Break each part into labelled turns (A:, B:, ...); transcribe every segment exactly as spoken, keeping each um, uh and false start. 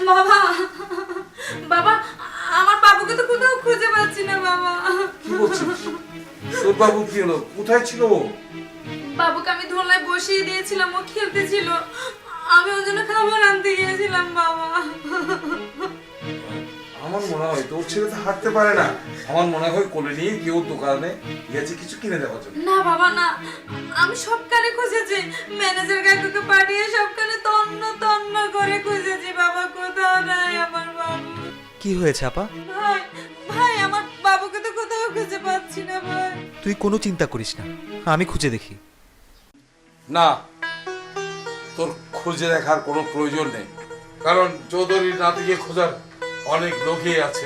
A: বাবা বাবা আমার বাবুকে তো কোথাও খুঁজে পাচ্ছি না বাবা।
B: কি বলছিস? তোর বাবু কি হলো? কোথায় ছিল ও?
A: বাবুকে আমি দোলনায় বসিয়ে দিয়েছিলাম, ও খেলতেছিল, আমি ওর জন্য খাবার আনতে গিয়েছিলাম বাবা।
B: আমার মনে হয় তোর ছেলে তো হাঁটতে পারে না, আমার মনে হয় কোলে নিয়ে কেউ দোকানে গেছে কিছু কিনে দেওয়ার জন্য।
A: না বাবা না, আমি সবখানে খুঁজেছি, ম্যানেজার কাকুকে পাঠিয়ে সবখানে তন্ন তন্ন করে খুঁজেছি বাবা, কোথাও নাই আমার বাবু।
C: কি হয়েছে আপা?
A: ভাই ভাই আমার বাবুকে তো কোথাও খুঁজে পাচ্ছি না ভাই।
C: তুই কোনো চিন্তা করিস না, আমি খুঁজে দেখি।
B: না, তোর খুঁজে দেখার কোনো প্রয়োজন নেই, কারণ চৌধুরীর নাতিকে খোঁজার অনেক লোকই আছে।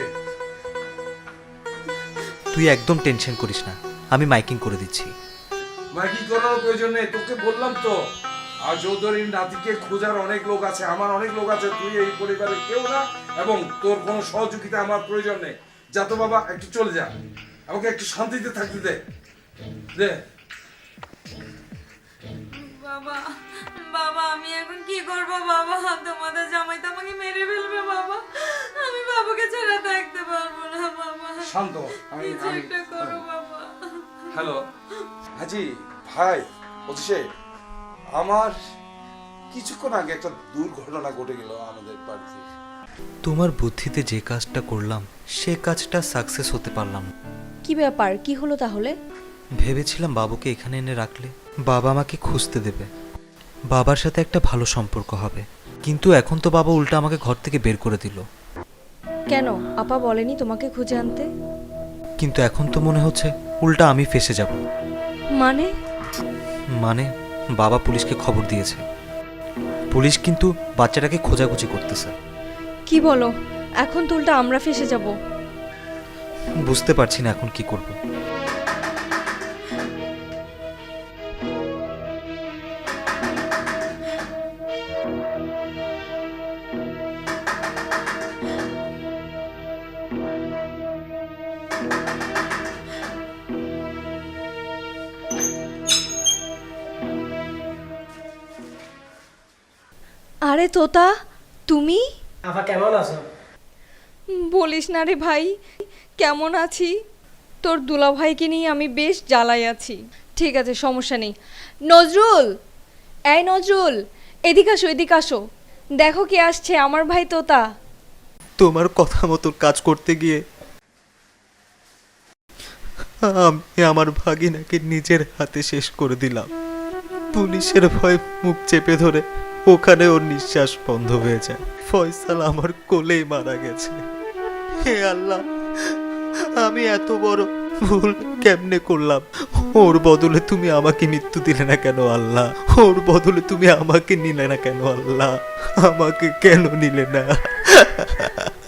C: তুই একদম টেনশন করিস না, আমি মাইকিং করে দিচ্ছি।
B: মাইকিং করার প্রয়োজন নেই, তোকে বললাম তো, আর চৌধুরীর নাতিকে খোঁজার অনেক লোক আছে, আমার অনেক লোক আছে, তুই এই পরিবারের কেউ না, এবং তোর কোনো সহযোগিতা আমার প্রয়োজন নেই। যা তো বাবা, একটু চলে যা, আমাকে একটু শান্তিতে থাকতে দে দে।
A: বাবা বাবা আমি এখন কি করব বাবা, তোমাদের জামাই তো আমাকে মেরে ফেলবে বাবা, আমি বাবুকে ছাড়া থাকতে পারবো না বাবা।
B: শান্ত হ, আমি
A: কিছু
B: আমি
A: একটা করো বাবা।
B: হ্যালো হাজি ভাই, বলছি আমার কিছুক্ষণ আগে একটা দুর্ঘটনা ঘটে গেল আমাদের বাড়িতে।
C: তোমার বুদ্ধিতে যে কাজটা করলাম সে কাজটা সাকসেস হতে পারলাম না।
D: কি ব্যাপার, কি হলো তাহলে?
C: ভেবেছিলাম বাবুকে এখানে এনে রাখলে বাবা আমাকে খুঁজতে দেবে, বাবার সাথে একটা ভালো সম্পর্ক হবে, কিন্তু এখন তো বাবা উল্টা আমাকে ঘর থেকে বের করে দিল।
D: কেন, আপা বলেনি তোমাকে খুঁজে আনতে?
C: কিন্তু এখন তো মনে হচ্ছে উল্টা আমি ফেঁসে যাব।
D: মানে?
C: মানে বাবা পুলিশকে খবর দিয়েছে, পুলিশ কিন্তু বাচ্চাটাকে খোঁজাখুঁজি করতেছে।
D: কি বলো, এখন তো উল্টা আমরা ফেসে যাব।
C: বুঝতে পারছি না এখন কি করব।
D: আরে তোতা, তুমি?
E: আপা কেমন আছো?
D: বলিস না রে ভাই, কেমন আছি? তোর দুলা ভাইকে নিয়ে আমি বেশ জ্বালাই আছি। ঠিক আছে, সমস্যা নেই। নজরুল, এই নজরুল, এদিকে আসো, এদিকে আসো, দেখো কে আসছে, আমার ভাই তোতা।
C: তোমার কথা মতো কাজ করতে গিয়ে আমি আমার ভাগিনাকে নিজের হাতে শেষ করে দিলাম। পুলিশের ভয় মুখ চেপে ধরে ওখানে ওর নিঃশ্বাস বন্ধ হয়ে যায়। ফয়সাল আমার কোলেই মারা গেছে। হে আল্লাহ, আমি এত বড় ভুল কেমনে করলাম? ওর বদলে তুমি আমাকে মৃত্যু দিলে না কেন আল্লাহ? ওর বদলে তুমি আমাকে নিলে না কেন আল্লাহ? আমাকে কেন নিলে না?